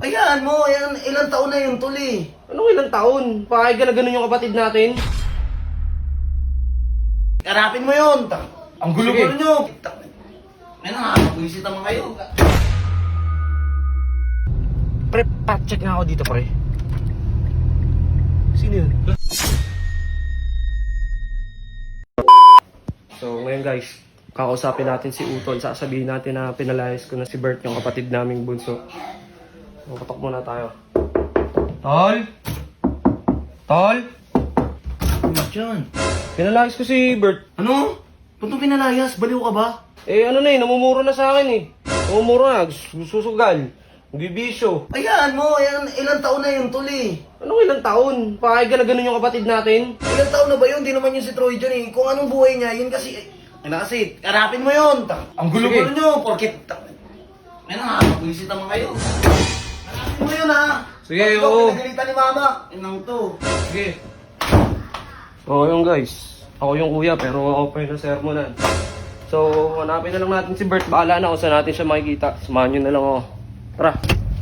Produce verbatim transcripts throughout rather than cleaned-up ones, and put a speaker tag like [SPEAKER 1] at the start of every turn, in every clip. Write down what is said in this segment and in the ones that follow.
[SPEAKER 1] Ayan mo, ayan, ilang taon na yun, tuli.
[SPEAKER 2] Anong ilang taon? Pakay ka na ganun yung kapatid natin?
[SPEAKER 1] Karapin mo yun. Ta- Ang gulo-gulo
[SPEAKER 2] Sige.
[SPEAKER 1] nyo. Ta- Ayun na nga, buwisit naman kayo.
[SPEAKER 2] Pre, pat-check nga ako dito, pre. Sino yun? So, ngayon guys, kakausapin natin si Utol. Sasabihin natin na pinalayas ko na si Bert, yung kapatid naming bunso. So, patok muna tayo. Tol? Tol?
[SPEAKER 1] Ano dyan?
[SPEAKER 2] Pinalayas ko si Bert.
[SPEAKER 1] Ano? Punto pinalayas? Baliw ka ba?
[SPEAKER 2] Eh, ano na eh, namumuro na sa akin eh. Namumuro na, susugal, bibisyo.
[SPEAKER 1] Ayan mo, ayan, ilang taon na yun, tuli.
[SPEAKER 2] Anong ilang taon? Pakay ka na ganun yung kapatid natin?
[SPEAKER 1] Ilang taon na ba yun? Di naman yun si Troy dyan eh. Kung anong buhay niya, yun kasi... Ay na kasi, karapin mo yun. Ta- Ang gulo-gulo
[SPEAKER 2] Sige.
[SPEAKER 1] nyo, porkit... Ta- Ayun na nga, buwisit naman kayo. Karapin mo yun ha.
[SPEAKER 2] Sige,
[SPEAKER 1] Ikaw,
[SPEAKER 2] oo.
[SPEAKER 1] pinagalitan ni mama. Inang to.
[SPEAKER 2] Sige. Oo yung guys. Ako yung kuya pero ako pa yung sermonan. So, hanapin na lang natin si Bert. Bahala na kung saan natin siya makikita. Samahan nyo na lang ako. Tara.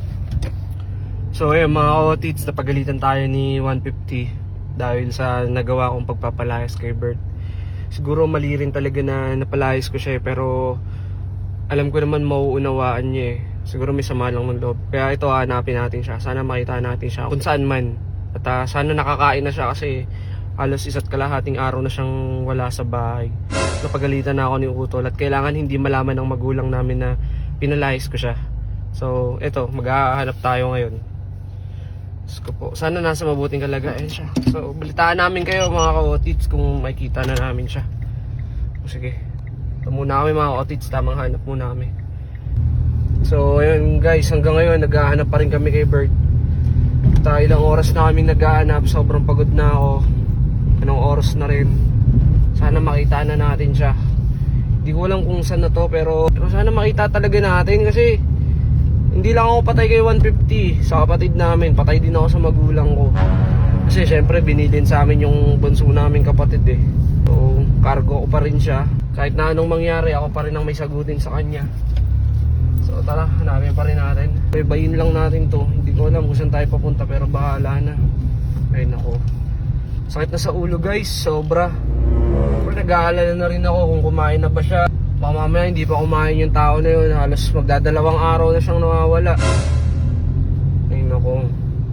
[SPEAKER 2] So, ayun mga otits, napagalitan tayo ni one fifty dahil sa nagawa kong pagpapalayas kay Bert. Siguro mali rin talaga na napalayas ko siya eh, pero alam ko naman mauunawaan niya eh. Siguro may sama lang ng loob. Kaya ito, hanapin natin siya. Sana makita natin siya kung saan man. At uh, sana nakakain na siya kasi halos isa't kalahating araw na siyang wala sa bahay. Napagalitan na ako ni Utol at kailangan hindi malaman ng magulang namin na pinalayas ko siya. So, eto, mag-ahanap tayo ngayon. Diyos ko po, sana nasa mabuting kalagayan siya. So, balitaan namin kayo mga ka-otits kung makikita na namin siya. O, sige, ito muna kami mga ka-otits, tamang hanap muna kami. So, ayun guys, hanggang ngayon nag-ahanap pa rin kami kay Bert. At ilang oras na kaming nag-ahanap, sobrang pagod na ako. Anong oras na rin. Sana makita na natin siya. Hindi ko alam kung saan na to, pero, pero sana makita talaga natin kasi hindi lang ako patay kay one fifty sa kapatid namin, patay din ako sa magulang ko. Kasi syempre binilin sa amin yung bunso namin kapatid eh. So cargo ko pa rin siya. Kahit na anong mangyari, ako pa rin ang may sagutin sa kanya. So tara, hanapin pa rin natin. Baybayin lang natin to. Hindi ko alam kung saan tayo papunta pero bahala na. Ay nako, sakit na sa ulo guys, sobra. Pero nag-aalala na rin ako kung kumain na ba siya. Baka mamaya hindi pa kumain yung tao na yun. Halos magdadalawang araw na siyang nawawala. Ay nako,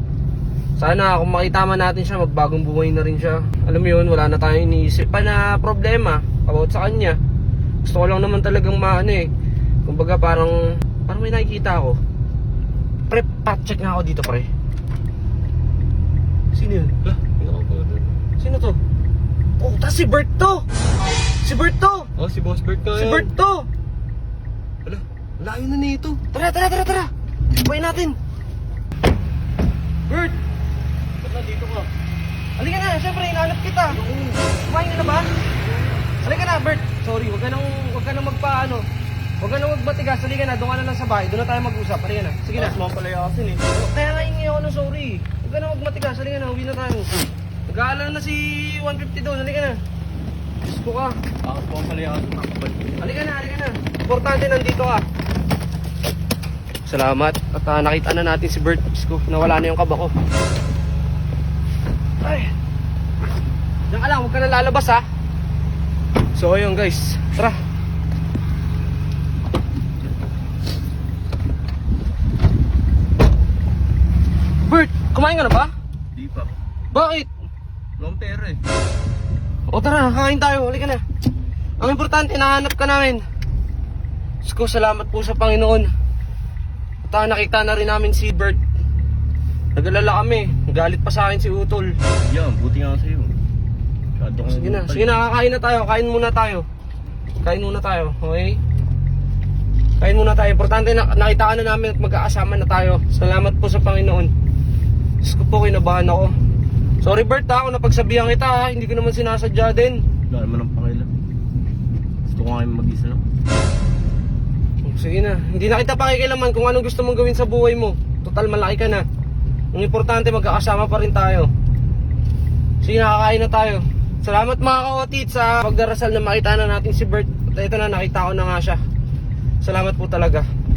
[SPEAKER 2] sana kung makita man natin siya, magbagong buhay na rin siya. Alam mo yun, wala na tayong iniisip pa na problema about sa kanya. Gusto ko lang naman talagang maano eh. Kumbaga parang Parang may nakikita ako. Pre, pat-check nga ako dito pre. Sino yun?
[SPEAKER 3] Lah, hindi ako doon.
[SPEAKER 2] Sino to? Oh, tas si Bert to! Si Bert to!
[SPEAKER 3] Oh, si Boss Bert ka
[SPEAKER 2] Si
[SPEAKER 3] yan.
[SPEAKER 2] Bert to!
[SPEAKER 3] Ala, layo na nito.
[SPEAKER 2] Tara, tara, tara, tara! Buhay natin! Bert!
[SPEAKER 3] Ba't nandito ka?
[SPEAKER 2] Halika na, syempre, hinahanap kita. Kumain ka na ba? Halika na, Bert. Sorry, wag ka nang, wag ka nang magpaano. Wag ka nang magmatigas. Halika na, doon ka na lang sa bahay. Doon na tayo mag-usap. Halika na. Sige na.
[SPEAKER 3] Tapos mga palayasin eh.
[SPEAKER 2] Kaya nga hingi ako ng sorry. Huwag ka nang magmatigas. Halika na, uwi na tayo. Nag-aalala na si one fifty doon. Halika na. Diyos ko ka.
[SPEAKER 3] Tapos mga palayasin mga kapal.
[SPEAKER 2] Halika na, halika na. Importante nandito ka. Salamat. At uh, nakita na natin si Bert. Diyos ko, nawala na yung kaba ko. Ay. Diyan ka lang, huwag ka na lalabas ha. So ayun guys, tara. Bert, kumain ka na ba?
[SPEAKER 3] Di pa.
[SPEAKER 2] Bakit?
[SPEAKER 3] Walang pera eh.
[SPEAKER 2] O tara, kakain tayo, halika na. Ang importante, nahanap ka namin. Diyos ko, salamat po sa Panginoon. At uh, nakita na rin namin si Bert. Nag-alala kami, galit pa sa akin si Utol.
[SPEAKER 3] Yan, buti nga sa'yo. Masyado kang
[SPEAKER 2] Sige na,
[SPEAKER 3] brutal.
[SPEAKER 2] sige na, kakain na tayo, kain muna tayo. Kain muna tayo, okay? Kain muna tayo, importante na nakita ka na namin at magkakasama na tayo. Salamat po sa Panginoon. Diyos ko po, kinabahan ako. Sorry Bert ha, kung napagsabihan kita ha, hindi ko naman sinasadya din.
[SPEAKER 3] Wala naman ang pakialam. Gusto ko nga yung mag-isa lang.
[SPEAKER 2] Sige na, hindi na kita pakikilaman kung anong gusto mong gawin sa buhay mo. Total, malaki ka na. Ang importante, magkakasama pa rin tayo. Sige na, kakain na tayo. Salamat mga ka-otit sa pagdarasal na makita na natin si Bert. At ito na, nakita ko na nga siya. Salamat po talaga.